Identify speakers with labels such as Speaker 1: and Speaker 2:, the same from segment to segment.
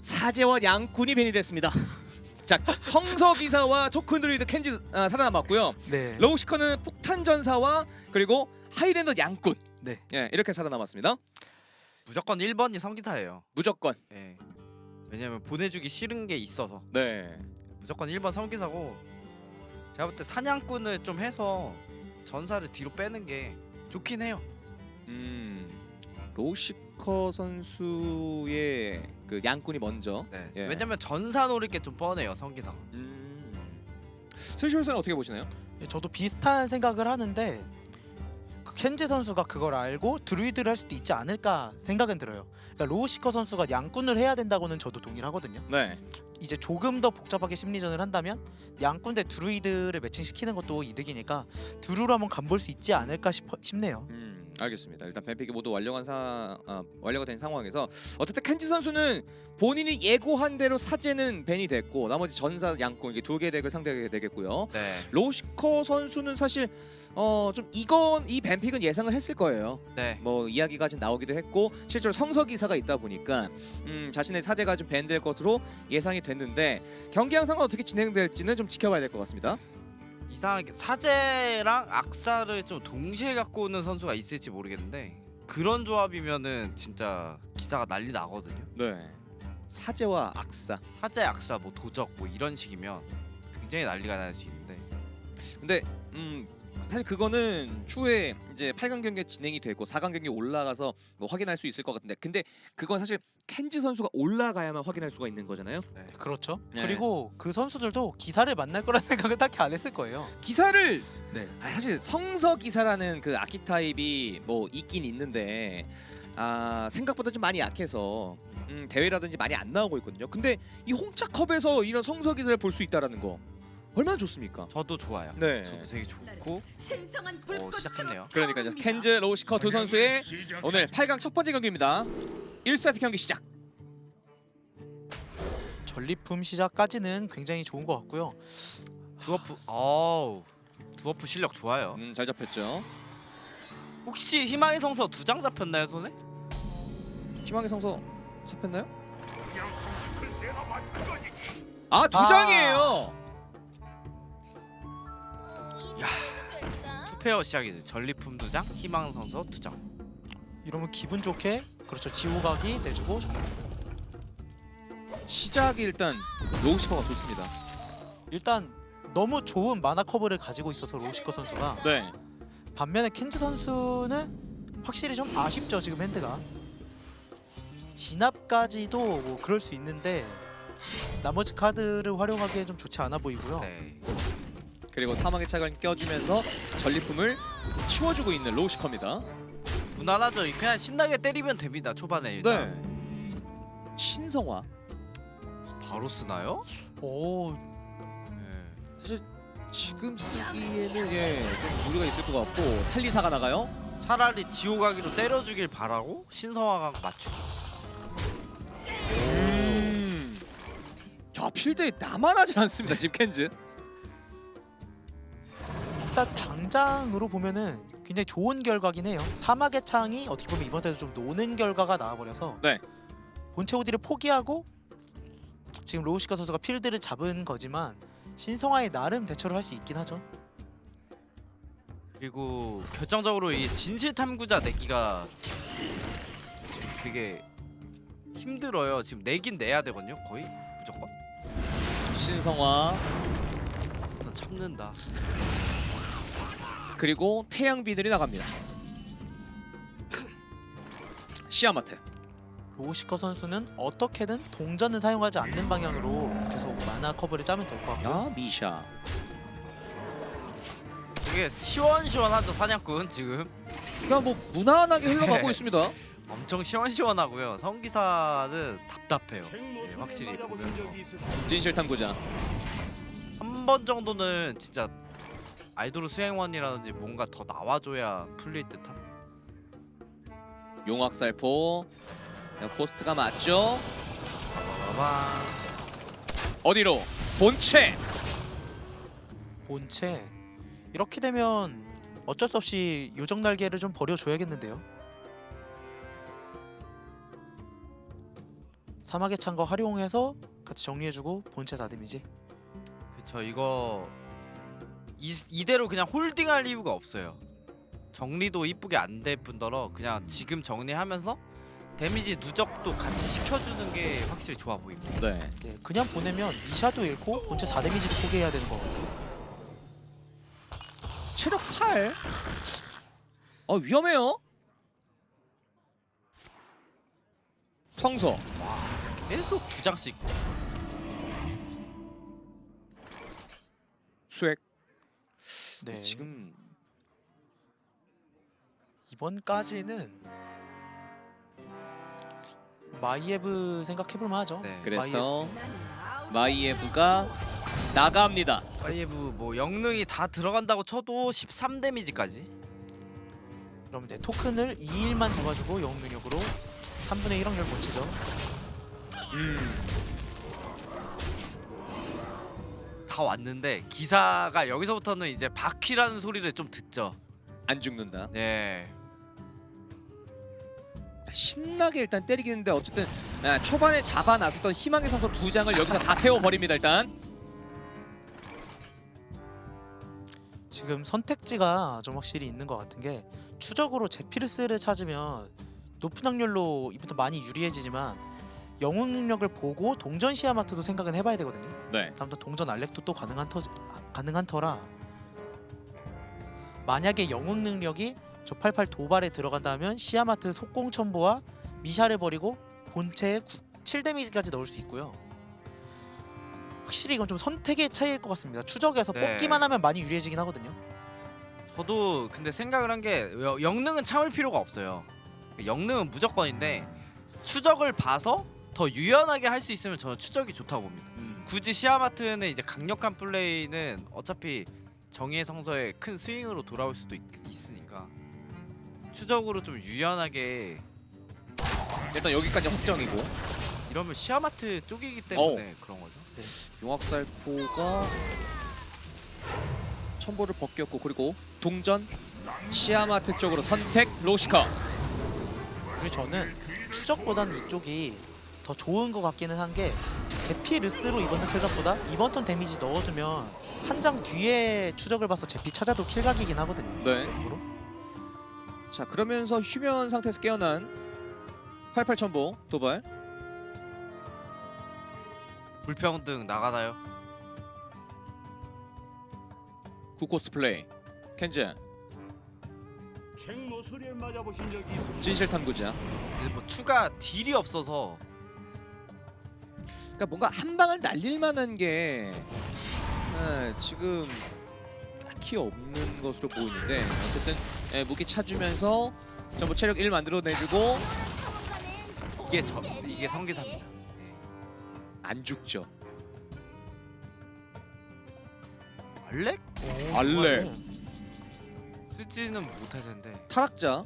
Speaker 1: 사제와 양꾼이 벤이 됐습니다. 자, 성서기사와 토큰 드루이드 켄지 살아남았고요.
Speaker 2: 네.
Speaker 1: 로우시커는 폭탄 전사와 그리고 하이랜더 양꾼.
Speaker 2: 네.
Speaker 1: 예, 이렇게 살아남았습니다.
Speaker 3: 무조건 1번이 성기사예요.
Speaker 1: 무조건.
Speaker 3: 예. 왜냐면 보내주기 싫은 게 있어서
Speaker 1: 네.
Speaker 3: 무조건 1번 성기사고, 제가 볼 때 사냥꾼을 좀 해서 전사를 뒤로 빼는 게 좋긴 해요.
Speaker 1: 로우시커 선수의 그 양꾼이 먼저.
Speaker 3: 네.
Speaker 1: 예.
Speaker 3: 왜냐면 전사 노릴 게 좀 뻔해요 성기사가.
Speaker 1: 스시올선은 어떻게 보시나요?
Speaker 2: 예, 저도 비슷한 생각을 하는데 그 켄지 선수가 그걸 알고 드루이드를 할 수도 있지 않을까 생각은 들어요. 그러니까 로우시커 선수가 양꾼을 해야 된다고는 저도 동의를 하거든요.
Speaker 1: 네.
Speaker 2: 이제 조금 더 복잡하게 심리전을 한다면 양꾼 대 드루이드를 매칭시키는 것도 이득이니까 드루로 한번 간볼 수 있지 않을까 싶네요.
Speaker 1: 알겠습니다. 일단 뱀픽이 모두 완료가 된 상황에서 어쨌든 켄지 선수는 본인이 예고한 대로 사제는 벤이 됐고 나머지 전사 양꾼 이게 두 개 덱을 상대하게 되겠고요.
Speaker 3: 네.
Speaker 1: 로우시커 선수는 사실 좀 이 뱀픽은 예상을 했을 거예요.
Speaker 3: 네.
Speaker 1: 뭐 이야기가 좀 나오기도 했고 실제로 성서기사가 있다 보니까 자신의 사제가 좀 밴될 것으로 예상이 됐는데 경기 양상은 어떻게 진행될지는 좀 지켜봐야 될 것 같습니다.
Speaker 3: 이상하게 사제랑 악사를 좀 동시에 갖고 오는 선수가 있을지 모르겠는데, 그런 조합이면은 진짜 기사가 난리 나거든요.
Speaker 1: 네. 사제와 악사.
Speaker 3: 사제 악사 뭐 도적 뭐 이런 식이면 굉장히 난리가 날 수 있는데,
Speaker 1: 근데 사실 그거는 추후에 이제 8강 경기 진행이 되고 4강 경기 올라가서 뭐 확인할 수 있을 것 같은데, 근데 그건 사실 켄지 선수가 올라가야만 확인할 수가 있는 거잖아요.
Speaker 2: 네, 그렇죠.
Speaker 1: 네.
Speaker 2: 그리고 그 선수들도 기사를 만날 거라는 생각은 딱히 안 했을 거예요.
Speaker 1: 기사를
Speaker 2: 네.
Speaker 1: 사실 성서 기사라는 그 아키타입이 뭐 있긴 있는데 생각보다 좀 많이 약해서 대회라든지 많이 안 나오고 있거든요. 근데 이 홍차컵에서 이런 성서 기사를 볼 수 있다라는 거 얼마나 좋습니까?
Speaker 3: 저도 좋아요.
Speaker 1: 네.
Speaker 3: 저도 되게 좋고.
Speaker 4: 시작했네요.
Speaker 3: 시작했네요.
Speaker 1: 그러니까 이제 켄즈 로우시커 두 선수의 오늘 8강 첫 번째 경기입니다. 1세트 경기 시작.
Speaker 2: 전리품 시작까지는 굉장히 좋은 것 같고요.
Speaker 3: 두어프 실력 좋아요.
Speaker 1: 잘 잡혔죠.
Speaker 3: 혹시 희망의 성서 2장 잡혔나요 손에?
Speaker 1: 희망의 성서 잡혔나요? 두 장이에요.
Speaker 3: 투페어 시작이죠. 전리품 2장, 희망 성서 2장.
Speaker 2: 이러면 기분 좋게 그렇죠. 지우각이 내주고
Speaker 1: 시작이 일단 로우시커가 좋습니다.
Speaker 2: 일단 너무 좋은 마나 커브를 가지고 있어서 로우시커 선수가.
Speaker 1: 네.
Speaker 2: 반면에 켄즈 선수는 확실히 좀 아쉽죠. 지금 핸드가 진압까지도 뭐 그럴 수 있는데 나머지 카드를 활용하기에 좀 좋지 않아 보이고요.
Speaker 3: 네.
Speaker 1: 그리고 사망의 착을 껴주면서 전리품을 치워주고 있는 로우시커입니다.
Speaker 3: 무난하죠. 그냥 신나게 때리면 됩니다. 초반에 일단.
Speaker 1: 네. 신성화.
Speaker 3: 바로 쓰나요?
Speaker 2: 오,
Speaker 3: 네.
Speaker 1: 사실 지금 쓰기에는 좀 무리가 있을 것 같고 텔리사가 나가요.
Speaker 3: 차라리 지호가기로 때려주길 바라고 신성화가 맞추기.
Speaker 1: 자, 필드에 나만 하진 않습니다. 지금 켄즈.
Speaker 2: 일단 당장으로 보면은 굉장히 좋은 결과긴 해요. 사막의 창이 어떻게 보면 이번 때도 좀 노는 결과가 나와버려서
Speaker 1: 네.
Speaker 2: 본체 오디를 포기하고 지금 로우시카 선수가 필드를 잡은 거지만 신성화에 나름 대처를 할 수 있긴 하죠.
Speaker 3: 그리고 결정적으로 이 진실 탐구자 내기가 지금 되게 힘들어요. 지금 내긴 내야 되거든요. 거의 무조건.
Speaker 1: 신성화
Speaker 3: 일단 참는다.
Speaker 1: 그리고 태양비늘이 나갑니다. 시아마트.
Speaker 2: 로우시커 선수는 어떻게든 동전을 사용하지 않는 방향으로 계속 마나 커브를 짜면 될 것 같고요.
Speaker 1: 미샤.
Speaker 3: 되게 시원시원하죠 사냥꾼 지금.
Speaker 1: 그러니까 뭐 무난하게 흘러가고 있습니다.
Speaker 3: 엄청 시원시원하고요. 성기사는 답답해요. 네, 확실히 보면서
Speaker 1: 진실 탐구자.
Speaker 3: 한 번 정도는 진짜 아이돌 수행원이라든지 뭔가 더 나와줘야 풀릴 듯한.
Speaker 1: 용악살포. 포스트가 맞죠?
Speaker 3: 봐봐.
Speaker 1: 어디로? 본체.
Speaker 2: 본체 이렇게 되면 어쩔 수 없이 요정 날개를 좀 버려줘야겠는데요. 사막의 창거 활용해서 같이 정리해주고 본체 다 데미지.
Speaker 3: 그쵸. 이거 이대로 그냥 홀딩할 이유가 없어요. 정리도 이쁘게 안 될 뿐더러 그냥 지금 정리하면서 데미지 누적도 같이 시켜주는 게 확실히 좋아 보입니다.
Speaker 1: 네.
Speaker 2: 네, 그냥 보내면 미샤도 잃고 본체 4데미지도 포기해야 되는 거거든요.
Speaker 1: 체력 8. 위험해요. 성서.
Speaker 3: 계속 2장씩.
Speaker 1: 수액.
Speaker 2: 네,
Speaker 1: 지금
Speaker 2: 이번까지는 마이에브 생각해볼 만하죠.
Speaker 3: 네.
Speaker 1: 그래서 마이에브가 나갑니다.
Speaker 3: 파이브 뭐 영능이 다 들어간다고 쳐도 13 데미지까지.
Speaker 2: 그럼 네, 토큰을 2일만 잡아주고 영웅 능력으로 3분의 1 확률 본체죠.
Speaker 3: 다 왔는데 기사가 여기서부터는 이제 바퀴라는 소리를 좀 듣죠.
Speaker 1: 안 죽는다.
Speaker 3: 네.
Speaker 1: 신나게 일단 때리긴 했는데 어쨌든 초반에 잡아 나섰던 희망의 성서 2장을 여기서 다 태워버립니다. 일단
Speaker 2: 지금 선택지가 좀 확실히 있는 것 같은 게 추적으로 제피르스를 찾으면 높은 확률로 이부터 많이 유리해지지만 영웅 능력을 보고 동전 시아마트도 생각은 해봐야 되거든요.
Speaker 1: 네.
Speaker 2: 다음부터 동전 알렉도 또 가능한 터라 만약에 영웅 능력이 저 88 도발에 들어간다면 시아마트 속공 첨보와 미샤를 버리고 본체에 7데미지까지 넣을 수 있고요. 확실히 이건 좀 선택의 차이일 것 같습니다. 추적에서
Speaker 3: 네.
Speaker 2: 뽑기만 하면 많이 유리해지긴 하거든요.
Speaker 3: 저도 근데 생각을 한 게 영능은 참을 필요가 없어요. 영능은 무조건인데 추적을 봐서 더 유연하게 할 수 있으면 저는 추적이 좋다고 봅니다. 굳이 시아마트는 이제 강력한 플레이는 어차피 정의의 성서에 큰 스윙으로 돌아올 수도 있으니까 추적으로 좀 유연하게
Speaker 1: 일단 여기까지 확정이고
Speaker 3: 이러면 시아마트 쪽이기 때문에 그런 거죠.
Speaker 1: 용악살포가 첨보를 벗겼고 그리고 동전 시아마트 쪽으로 선택 로시커.
Speaker 2: 그리고 저는 추적보다는 이쪽이 더 좋은 것 같기는 한 게 제피르스로 이번 턴 킬각보다 이번 턴 데미지 넣어두면 한 장 뒤에 추적을 봐서 제피 찾아도 킬각이긴 하거든요.
Speaker 1: 네.
Speaker 2: 일부러.
Speaker 1: 자 그러면서 휴면 상태에서 깨어난 88 첨보 도발.
Speaker 3: 불평등 나가나요?
Speaker 1: 구코스트 플레이 켄즈
Speaker 4: 책모서리에 맞아보신 적이 있으십니까?
Speaker 1: 진실 탐구자.
Speaker 3: 이제 뭐 추가 딜이 없어서
Speaker 1: 그러니까 뭔가 한 방을 날릴 만한 게 지금 딱히 없는 것으로 보이는데 어쨌든 무기 차주면서 전부 체력 1 만들어내주고
Speaker 3: 이게 성기사입니다.
Speaker 1: 안 죽죠.
Speaker 3: 알렉?
Speaker 1: 알렉.
Speaker 3: 쓰지는 못할 텐데
Speaker 1: 타락자.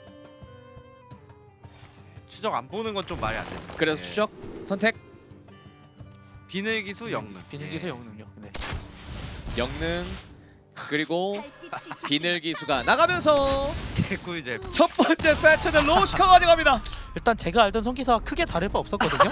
Speaker 3: 추적 안 보는 건 좀 말이 안 되죠.
Speaker 1: 그래서
Speaker 3: 네.
Speaker 1: 추적 선택.
Speaker 3: 비늘기수 영능.
Speaker 2: 비늘기수 영웅 능력. 네.
Speaker 1: 영능 그리고 비늘 기수가 나가면서
Speaker 3: 개꿀잼.
Speaker 1: 첫 번째 세트는 로시커 가져갑니다.
Speaker 2: 일단 제가 알던 성기사와 크게 다를 바 없었거든요.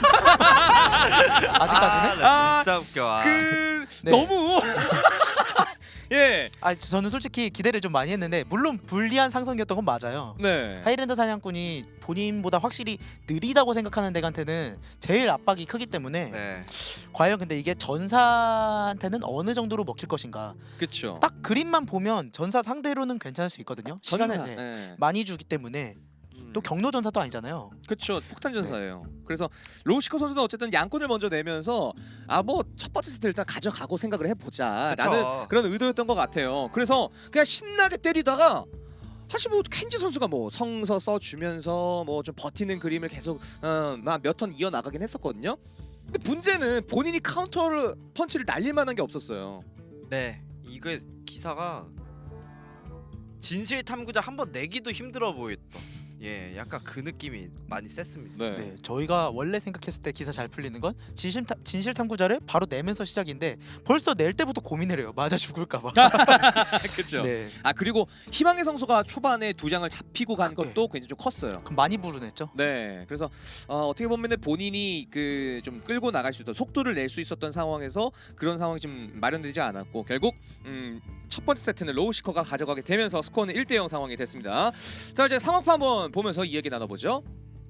Speaker 2: 아직까지는.
Speaker 1: 아,
Speaker 3: 진짜 웃겨.
Speaker 2: 네.
Speaker 1: 너무 예.
Speaker 2: 저는 솔직히 기대를 좀 많이 했는데 물론 불리한 상성이었던 건 맞아요.
Speaker 1: 네.
Speaker 2: 하이랜드 사냥꾼이 본인보다 확실히 느리다고 생각하는 덱한테는 제일 압박이 크기 때문에
Speaker 3: 네.
Speaker 2: 과연 근데 이게 전사한테는 어느 정도로 먹힐 것인가.
Speaker 1: 그렇죠.
Speaker 2: 딱 그림만 보면 전사 상대로는 괜찮을 수 있거든요. 시간을 네, 많이 주기 때문에 또 경로 전사도 아니잖아요.
Speaker 1: 그렇죠. 폭탄 전사예요. 그래서 로시커 선수는 어쨌든 양꾼을 먼저 내면서 뭐 첫 번째 세트 일단 가져가고 생각을 해보자.
Speaker 3: 그쵸.
Speaker 1: 라는 그런 의도였던 것 같아요. 그래서 그냥 신나게 때리다가 사실 뭐 켄지 선수가 뭐 성서 써주면서 뭐 좀 버티는 그림을 계속 몇 턴 이어 나가긴 했었거든요. 근데 문제는 본인이 카운터를 펀치를 날릴 만한 게 없었어요.
Speaker 3: 네. 이게 기사가 진실 탐구자 한번 내기도 힘들어 보였던. 예, 약간 그 느낌이 많이 셌습니다.
Speaker 1: 네.
Speaker 2: 네, 저희가 원래 생각했을 때 기사 잘 풀리는 건 진실 탐구자를 바로 내면서 시작인데 벌써 낼 때부터 고민을 해요. 맞아 죽을까봐.
Speaker 1: 그렇죠.
Speaker 2: 네,
Speaker 1: 아 그리고 희망의 성소가 초반에 두 장을 잡히고 간 것도 굉장히 좀 컸어요.
Speaker 2: 그럼 많이 불운했죠.
Speaker 1: 네, 그래서 어떻게 보면은 본인이 그 좀 끌고 나갈 수 있던 속도를 낼 수 있었던 상황에서 그런 상황이 좀 마련되지 않았고 결국 첫 번째 세트는 로우시커가 가져가게 되면서 스코어는 1대0 상황이 됐습니다. 자 이제 상황파 한번 보면서 이야기 나눠보죠.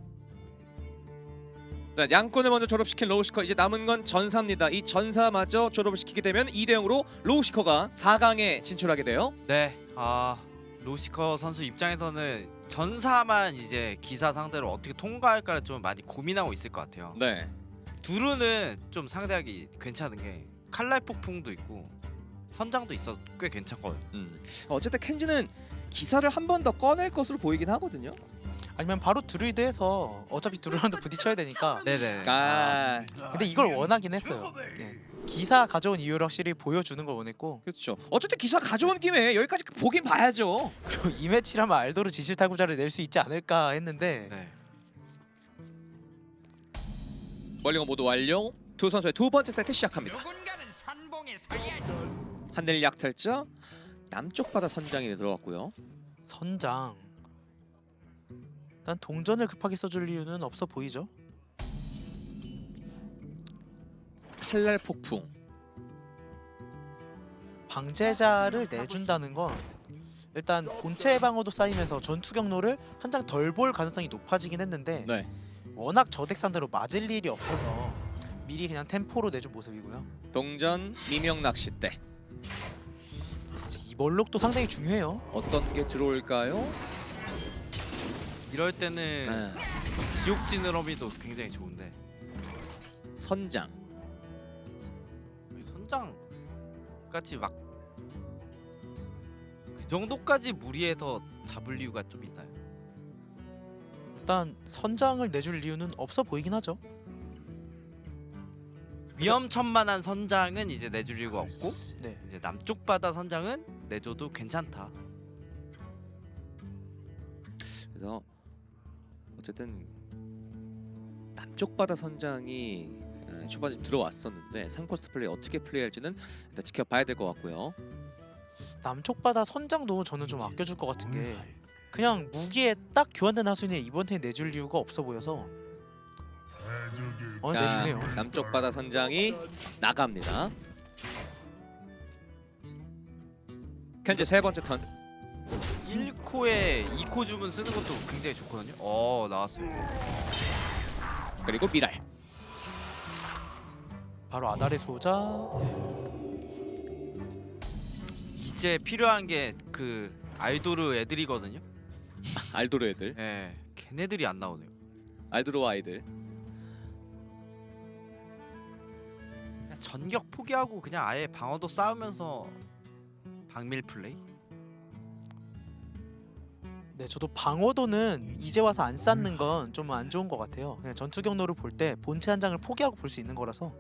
Speaker 1: 자 양권을 먼저 졸업시킨 로우시커 이제 남은 건 전사입니다. 이 전사마저 졸업을 시키게 되면 2대0으로 로우시커가 4강에 진출하게 돼요.
Speaker 3: 네, 로시커 선수 입장에서는 전사만 이제 기사 상대로 어떻게 통과할까를 좀 많이 고민하고 있을 것 같아요.
Speaker 1: 네.
Speaker 3: 두루는 좀 상대하기 괜찮은 게 칼날 폭풍도 있고 선장도 있어 꽤 괜찮거든요.
Speaker 1: 어쨌든 켄지는 기사를 한 번 더 꺼낼 것으로 보이긴 하거든요.
Speaker 2: 아니면 바로 드루이드해서 어차피 드루랑도 부딪혀야 되니까.
Speaker 3: 네네.
Speaker 2: 근데 이걸 원하긴 했어요. 네. 기사 가져온 이유를 확실히 보여주는 걸 원했고
Speaker 1: 그렇죠. 어쨌든 기사 가져온 김에 여기까지 보긴 봐야죠.
Speaker 2: 그리고 이 매치라면 알도르 진실 탈구자를 낼 수 있지 않을까 했는데
Speaker 3: 네.
Speaker 1: 멀리건 모두 완료. 두 선수의 두 번째 세트 시작합니다. 하늘 약탈자 남쪽 바다 선장이 들어왔고요.
Speaker 2: 선장. 일단 동전을 급하게 써줄 이유는 없어 보이죠.
Speaker 1: 칼날 폭풍.
Speaker 2: 방제자를 내준다는 건 일단 본체 방어도 쌓이면서 전투 경로를 한 장 덜 볼 가능성이 높아지긴 했는데
Speaker 1: 네.
Speaker 2: 워낙 저덱 상대로 맞을 일이 없어서 미리 그냥 템포로 내준 모습이고요.
Speaker 1: 동전 미명 낚싯대.
Speaker 2: 이 멀록도 상당히 중요해요.
Speaker 1: 어떤 게 들어올까요?
Speaker 3: 이럴 때는
Speaker 1: 네.
Speaker 3: 지옥 지느러미도 굉장히 좋은데
Speaker 1: 선장.
Speaker 3: 선장까지 막 그 정도까지 무리해서 잡을 이유가 좀 있나요?
Speaker 2: 일단 선장을 내줄 이유는 없어 보이긴 하죠.
Speaker 3: 위험천만한 선장은 이제 내줄 이유가 없고
Speaker 2: 네.
Speaker 3: 이제 남쪽 바다 선장은 내줘도 괜찮다.
Speaker 1: 그래서 어쨌든 남쪽 바다 선장이 초반에 좀 들어왔었는데 3코스트 플레이 어떻게 플레이할지는 일단 지켜봐야 될 것 같고요.
Speaker 2: 남쪽 바다 선장도 저는 좀 아껴줄 것 같은 게 그냥 무기에 딱 교환된 하수인에 이번 턴에 내줄 이유가 없어 보여서 내주네요.
Speaker 1: 남쪽 바다 선장이 나갑니다. 현재 세 번째 턴.
Speaker 3: 1코에 2코 주문 쓰는 것도 굉장히 좋거든요. 나왔어요.
Speaker 1: 그리고 미랄.
Speaker 2: 바로 아달의 수호자.
Speaker 3: 이제 필요한 게 그 아이도르 애들이거든요.
Speaker 1: 알도르 애들.
Speaker 3: 예, 걔네들이 안 나오네요.
Speaker 1: 알도르 아이들.
Speaker 3: 그냥 전격 포기하고 그냥 아예 방어도 싸우면서 방밀 플레이?
Speaker 2: 네, 저도 방어도는 이제 와서 안 쌓는 건 좀 안 좋은 것 같아요. 그냥 전투 경로를 볼 때 본체 한 장을 포기하고 볼 수 있는 거라서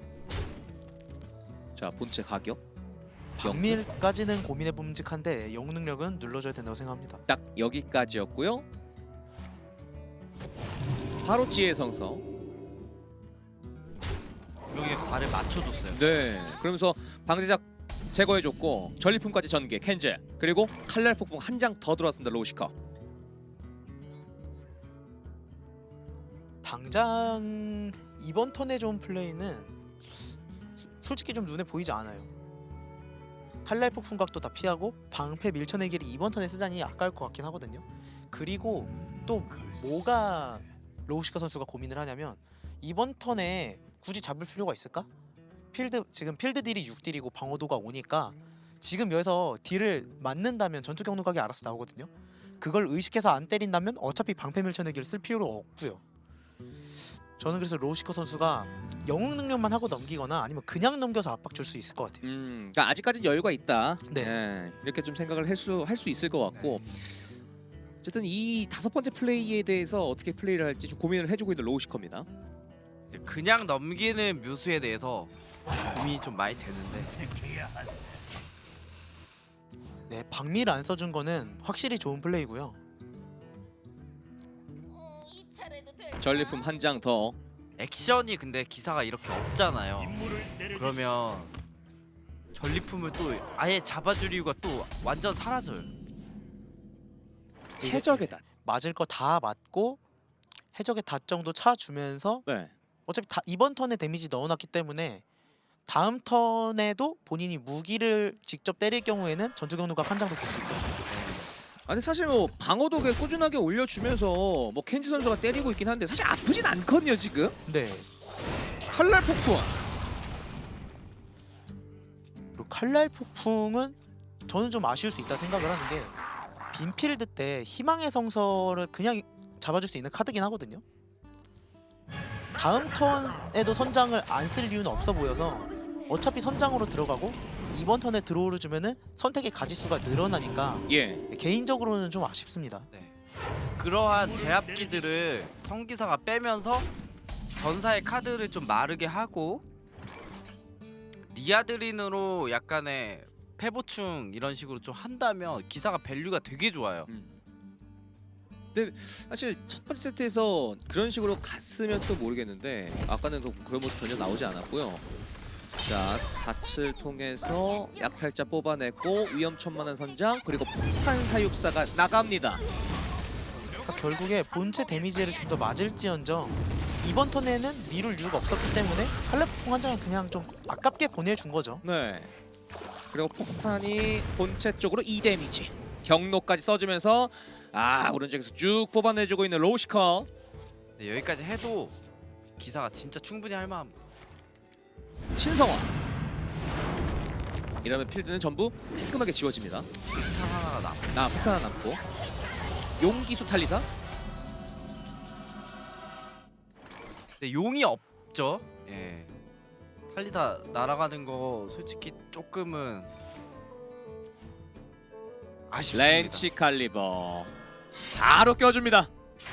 Speaker 1: 자 본체 가격.
Speaker 2: 방밀까지는 고민해 봄직한데 영웅 능력은 눌러줘야 된다고 생각합니다.
Speaker 1: 딱 여기까지였고요. 바로 지혜 성서.
Speaker 3: 여기 4를 맞춰줬어요.
Speaker 1: 네. 그러면서 방제작 제거해줬고 전리품까지 전개 켄즈 그리고 칼날 폭풍 한 장 더 들어왔습니다. 로우시커.
Speaker 2: 당장 이번 턴에 좋은 플레이는 솔직히 좀 눈에 보이지 않아요. 칼날 폭풍각도 다 피하고 방패 밀쳐내기를 이번 턴에 쓰자니 아까울 것 같긴 하거든요. 그리고 또 뭐가 로우시카 선수가 고민을 하냐면 이번 턴에 굳이 잡을 필요가 있을까? 지금 필드 딜이 6딜이고 방어도가 5니까 지금 여기서 딜을 맞는다면 전투 경로각이 알아서 나오거든요. 그걸 의식해서 안 때린다면 어차피 방패 밀쳐내기를 쓸 필요가 없고요. 저는 그래서 로우시커 선수가 영웅 능력만 하고 넘기거나 아니면 그냥 넘겨서 압박 줄 수 있을 것 같아요.
Speaker 1: 그러니까 아직까지는 여유가 있다.
Speaker 2: 네.
Speaker 1: 예, 이렇게 좀 생각을 할 수 있을 것 같고 어쨌든 이 다섯 번째 플레이에 대해서 어떻게 플레이를 할지 좀 고민을 해주고 있는 로우시커입니다.
Speaker 3: 그냥 넘기는 묘수에 대해서 고민이 좀 많이 되는데
Speaker 2: 네, 방미를 안 써준 거는 확실히 좋은 플레이고요.
Speaker 1: 전리품 한 장 더.
Speaker 3: 액션이 근데 기사가 이렇게 없잖아요. 그러면 전리품을 또 아예 잡아줄 이유가 또 완전 사라져요.
Speaker 1: 해적의 단.
Speaker 2: 맞을 거 다 맞고 해적의 닷 정도 차주면서
Speaker 1: 네.
Speaker 2: 어차피 이번 턴에 데미지 넣어놨기 때문에 다음 턴에도 본인이 무기를 직접 때릴 경우에는 전투 경로각 한 장도 볼 수 있거든요.
Speaker 1: 아니 사실 뭐 방어도 꾸준하게 올려주면서 뭐 켄지 선수가 때리고 있긴 한데 사실 아프진 않거든요 지금.
Speaker 2: 네.
Speaker 1: 칼날 폭풍.
Speaker 2: 그리고 칼날 폭풍은 저는 좀 아쉬울 수 있다 생각을 하는 게 빈필드 때 희망의 성서를 그냥 잡아줄 수 있는 카드긴 하거든요. 다음 턴에도 선장을 안 쓸 이유는 없어 보여서 어차피 선장으로 들어가고 이번 턴에 드로우를 주면은 선택의 가지수가 늘어나니까
Speaker 1: 예.
Speaker 2: 개인적으로는 좀 아쉽습니다.
Speaker 3: 네. 그러한 제압기들을 성기사가 빼면서 전사의 카드를 좀 마르게 하고 리아드린으로 약간의 패보충 이런 식으로 좀 한다면 기사가 밸류가 되게 좋아요.
Speaker 1: 근데 사실 첫 번째 세트에서 그런 식으로 갔으면 또 모르겠는데 아까는 그런 모습 전혀 나오지 않았고요. 자, 닷을 통해서 약탈자 뽑아냈고 위험천만한 선장 그리고 폭탄 사육사가 나갑니다.
Speaker 2: 그러니까 결국에 본체 데미지를 좀 더 맞을지언정 이번 턴에는 미룰 이유가 없었기 때문에 칼날 폭풍 한 장은 그냥 좀 아깝게 보내준 거죠.
Speaker 1: 네. 그리고 폭탄이 본체 쪽으로 2 데미지. 경로까지 써주면서 오른쪽에서 쭉 뽑아내주고 있는 로시커.
Speaker 3: 네, 여기까지 해도 기사가 진짜 충분히 할 만합니다.
Speaker 1: 신성화. 이러면 필드는 전부 깔끔하게 지워집니다.
Speaker 3: 폭탄 하나가 남.
Speaker 1: 폭탄 하나 남고 용기수 탈리사.
Speaker 3: 근데 용이 없죠. 예. 탈리사 날아가는 거 솔직히 조금은 아쉽습니다.
Speaker 1: 렌치 칼리버 바로 껴줍니다.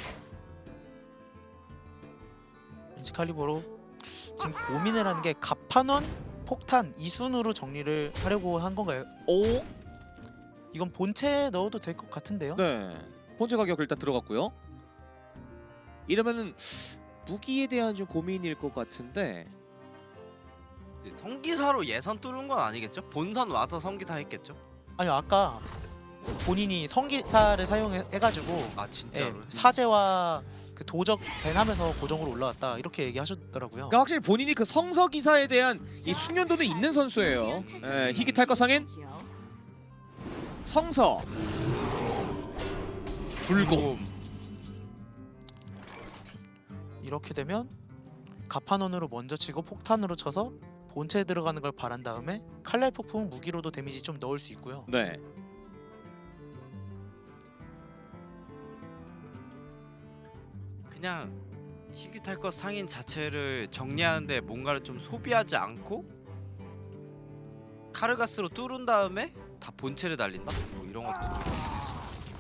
Speaker 2: 렌치 칼리버로 지금 고민을 하는 게 갑판원, 폭탄 이 순으로 정리를 하려고 한 건가요?
Speaker 1: 오,
Speaker 2: 이건 본체에 넣어도 될 것 같은데요?
Speaker 1: 네. 본체 가격 일단 들어갔고요. 이러면은 무기에 대한 좀 고민일 것 같은데.
Speaker 3: 네, 성기사로 예선 뚫은 건 아니겠죠? 본선 와서 성기사 했겠죠?
Speaker 2: 아니 아까 본인이 성기사를 사용해가지고
Speaker 3: 아 진짜로?
Speaker 2: 사제와 그 도적 밴하면서 고정으로 올라왔다 이렇게 얘기하셨더라고요.
Speaker 1: 그러니까 확실히 본인이 그 성서 기사에 대한 이 숙련도는 있는 선수예요. 희귀 탈거 상인 성서 불곰.
Speaker 2: 이렇게 되면 갑판원으로 먼저 치고 폭탄으로 쳐서 본체에 들어가는 걸 바란 다음에 칼날 폭풍 무기로도 데미지 좀 넣을 수 있고요.
Speaker 1: 네.
Speaker 3: 그냥 희귀 탈것 상인 자체를 정리하는데 뭔가를 좀 소비하지 않고 카르가스로 뚫은 다음에 다 본체를 날린다? 뭐 이런 것도 좀 있을 수.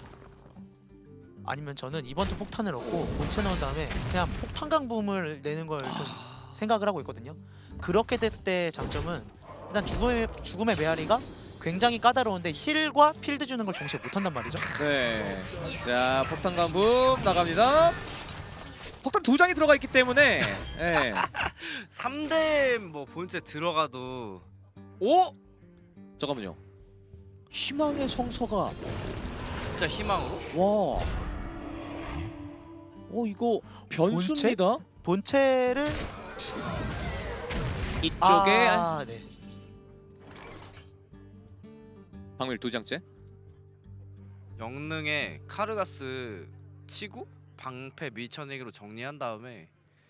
Speaker 2: 아니면 저는 이번 턴 폭탄을 넣고 본체 넣은 다음에 그냥 폭탄 강붐을 내는 걸 좀 생각을 하고 있거든요. 그렇게 됐을 때 장점은 일단 죽음의 메아리가 굉장히 까다로운데 힐과 필드 주는 걸 동시에 못한단 말이죠.
Speaker 1: 네. 자, 폭탄 간붐 나갑니다. 폭탄 2장이 들어가 있기 때문에. 예.
Speaker 3: 3대 뭐 본체 들어가도 오?
Speaker 1: 잠깐만요. 희망의 성서가
Speaker 3: 진짜 희망으로?
Speaker 1: 와. 이거 변수입니다.
Speaker 2: 본체를
Speaker 1: 이쪽에
Speaker 2: 네.
Speaker 1: 방밀 2장째.
Speaker 3: 영능에 카르가스 치고 방패 밀쳐내기로 정리한 다음에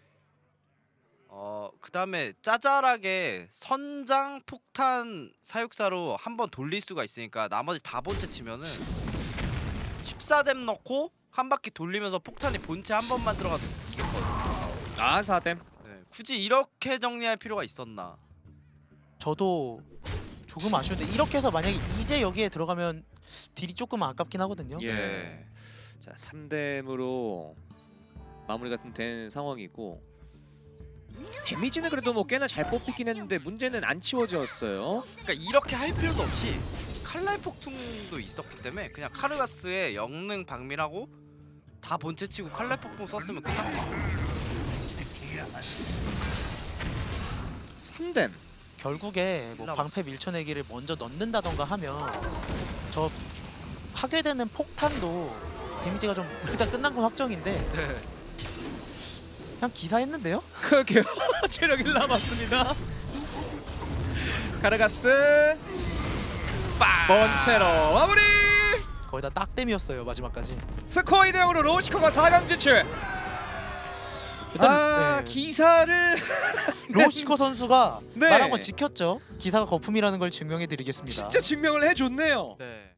Speaker 3: 그 다음에 짜잘하게 선장 폭탄 사육사로 한번 돌릴 수가 있으니까 나머지 다 본체 치면은 14뎀 넣고 한 바퀴 돌리면서 폭탄이 본체 한 번만 들어가도 이겼거든요.
Speaker 1: 4댐.
Speaker 3: 네, 굳이 이렇게 정리할 필요가 있었나?
Speaker 2: 저도 조금 아쉬운데 이렇게 해서 만약에 이제 여기에 들어가면 딜이 조금 아깝긴 하거든요.
Speaker 1: 예. 자, 3댐으로 마무리가 좀 된 상황이고 데미지는 그래도 뭐 꽤나 잘 뽑히긴 했는데 문제는 안 치워졌어요.
Speaker 3: 그러니까 이렇게 할 필요도 없이 칼날 폭풍도 있었기 때문에 그냥 카르가스의 영능 박밀하고 다 본체 치고 칼날 폭풍 썼으면 끝났어.
Speaker 1: 3댐.
Speaker 2: 결국에 뭐
Speaker 3: 올라왔어.
Speaker 2: 방패 밀쳐내기를 먼저 넣는다던가 하면 저 하게 되는 폭탄도 데미지가 좀 일단 끝난 건 확정인데
Speaker 3: 네.
Speaker 2: 그냥 기사했는데요?
Speaker 1: 그러게요. 체력 1 남았습니다. 카르가스 번체로 마무리.
Speaker 2: 거의 다 딱댐이었어요 마지막까지.
Speaker 1: 스코어 2대 0으로 로시코가 4강 진출.
Speaker 2: 일단 네.
Speaker 1: 기사를
Speaker 2: 로시코 선수가
Speaker 1: 네.
Speaker 2: 말한 건 지켰죠. 기사가 거품이라는 걸 증명해드리겠습니다.
Speaker 1: 진짜 증명을 해줬네요.
Speaker 3: 네.